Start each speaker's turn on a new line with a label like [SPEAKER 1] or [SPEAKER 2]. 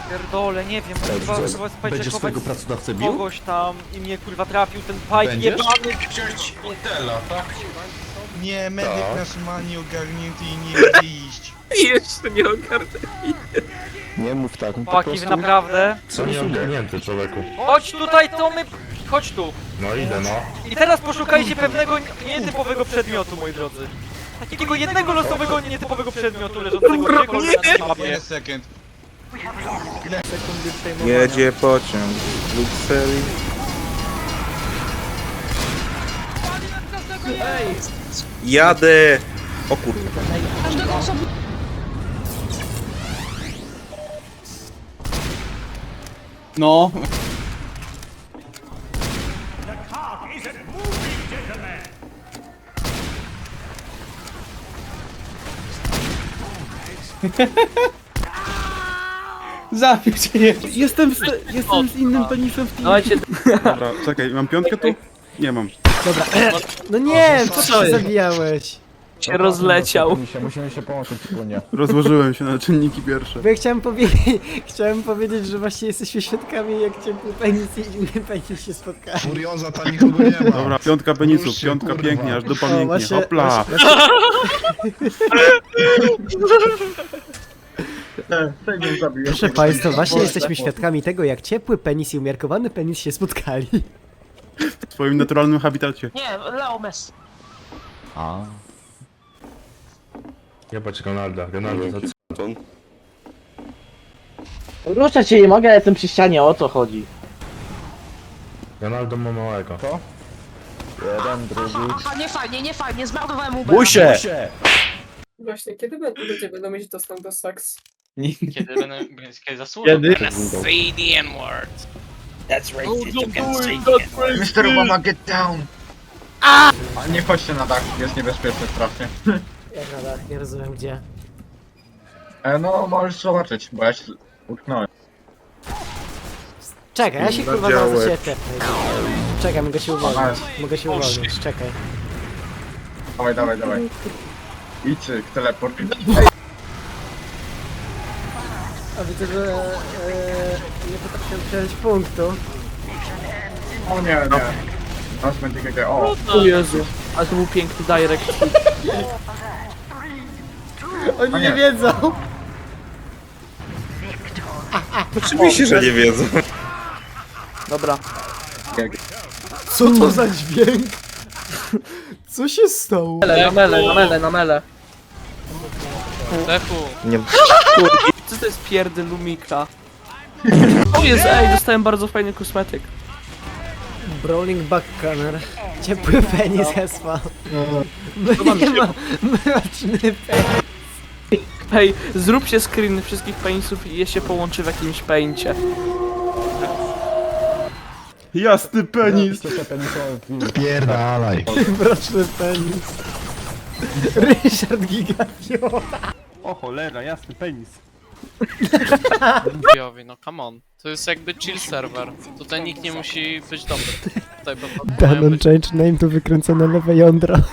[SPEAKER 1] Pierdolę, nie wiem, chyba
[SPEAKER 2] Będziesz swojego pracodawcę bił?
[SPEAKER 1] kogoś tam i mnie kurwa trafił ten pipe
[SPEAKER 2] Będziesz?
[SPEAKER 1] jebany.
[SPEAKER 3] Wziąć Intela, tak?
[SPEAKER 4] Nie, medyk
[SPEAKER 2] Tak.
[SPEAKER 4] nasz ma nieogarnięty i nie chce iść.
[SPEAKER 5] Jeszcze nie ogarnę.
[SPEAKER 2] Nie mów tak,
[SPEAKER 1] Chłopaki, wy naprawdę.
[SPEAKER 6] Co nie ogarnięty, człowieku.
[SPEAKER 1] Chodź tutaj, to my... Chodź tu.
[SPEAKER 6] No idę, no.
[SPEAKER 1] I teraz poszukajcie pewnego nietypowego przedmiotu, moi drodzy. Takiego jednego losowego nietypowego przedmiotu leżącego gdziekolwiek na tej mapie.
[SPEAKER 4] Jeden sekund.
[SPEAKER 5] Jedzie pociąg. Luxury. Jadę! O kurde.
[SPEAKER 7] No. Zabił cię.
[SPEAKER 8] Jestem z innym penisem w teamie.
[SPEAKER 1] Dawajcie,
[SPEAKER 7] Dobra, czekaj, mam piątkę tu? Nie mam.
[SPEAKER 8] Dobra. No nie, co ty się zabijałeś?
[SPEAKER 1] się rozleciał.
[SPEAKER 2] Musimy się połączyć wspólnie.
[SPEAKER 7] Rozłożyłem się na czynniki pierwsze.
[SPEAKER 8] Bo ja chciałem powiedzieć, że właśnie jesteśmy świadkami, jak ciepły penis i inny penis się spotkają.
[SPEAKER 4] Furioza, tam nikogo nie ma.
[SPEAKER 7] Dobra, piątka penisów,
[SPEAKER 4] Już się,
[SPEAKER 7] piątka
[SPEAKER 4] kurwa.
[SPEAKER 7] pięknie, aż dupa
[SPEAKER 8] O,
[SPEAKER 7] mięknie.
[SPEAKER 8] właśnie-
[SPEAKER 7] Hopla!
[SPEAKER 8] Proszę Państwa, właśnie jesteśmy świadkami tego, jak ciepły penis i umiarkowany penis się spotkali.
[SPEAKER 7] W swoim naturalnym habitacie.
[SPEAKER 1] Nie, Leomes.
[SPEAKER 2] A.
[SPEAKER 6] Jebać Ronalda, Ronaldo za
[SPEAKER 1] Ruszać się nie mogę, ale jestem przy ścianie, o co chodzi?
[SPEAKER 6] Ronaldo ma małego.
[SPEAKER 2] Jeden, drugi.
[SPEAKER 9] Aha, nie fajnie, zmarnowałem mu
[SPEAKER 5] Busie!
[SPEAKER 9] Właśnie, kiedy ludzie będą mieć dostęp do seks?
[SPEAKER 1] Kiedy będę zasłużę?
[SPEAKER 7] Kiedy?
[SPEAKER 5] Say the N-word. That's racist, you can say
[SPEAKER 3] Mr. Obama, get down! A nie chodźcie na dach, jest niebezpieczny strasznie.
[SPEAKER 8] Jak na dach, nie rozumiem gdzie.
[SPEAKER 3] No, możesz zobaczyć, bo ja się utknąłem.
[SPEAKER 8] Czekaj, ja się kurwa zaraz do ciebie tepnę. Czekaj, mogę się uwolnić. Mogę się
[SPEAKER 3] O,
[SPEAKER 8] uwolnić, czekaj.
[SPEAKER 3] Dawaj. Idź, teleport.
[SPEAKER 8] A widzę, że nie potrafię przejąć punktu.
[SPEAKER 3] O nie. Nas będzie GG, o.
[SPEAKER 1] O Jezu, ale to był piękny direct.
[SPEAKER 8] Oni
[SPEAKER 3] A
[SPEAKER 8] nie
[SPEAKER 3] nie.
[SPEAKER 8] wiedzą!
[SPEAKER 5] Oczywiście, że nie wiedzą.
[SPEAKER 1] Dobra.
[SPEAKER 8] Co to za dźwięk? Co się stało?
[SPEAKER 1] Na mele. Lechu.
[SPEAKER 5] Nie.
[SPEAKER 1] Co to jest pierdy Lumika? O Jezu, ej, dostałem bardzo fajny kosmetyk.
[SPEAKER 8] Brawling Backcanner. Ciepły penis Hespa. Nie ma mroczny penis.
[SPEAKER 1] Hej, zróbcie screen wszystkich penisów i je się połączy w jakimś pęcie.
[SPEAKER 7] Jasny penis!
[SPEAKER 4] Pierdalaj.
[SPEAKER 8] Mroczny penis. Ryszard Gigapio.
[SPEAKER 7] O cholera, jasny penis.
[SPEAKER 10] No come on. To jest jakby chill serwer. Tutaj nikt nie musi być dobry. Tutaj
[SPEAKER 8] Danon change name to wykręcone lewe jądro.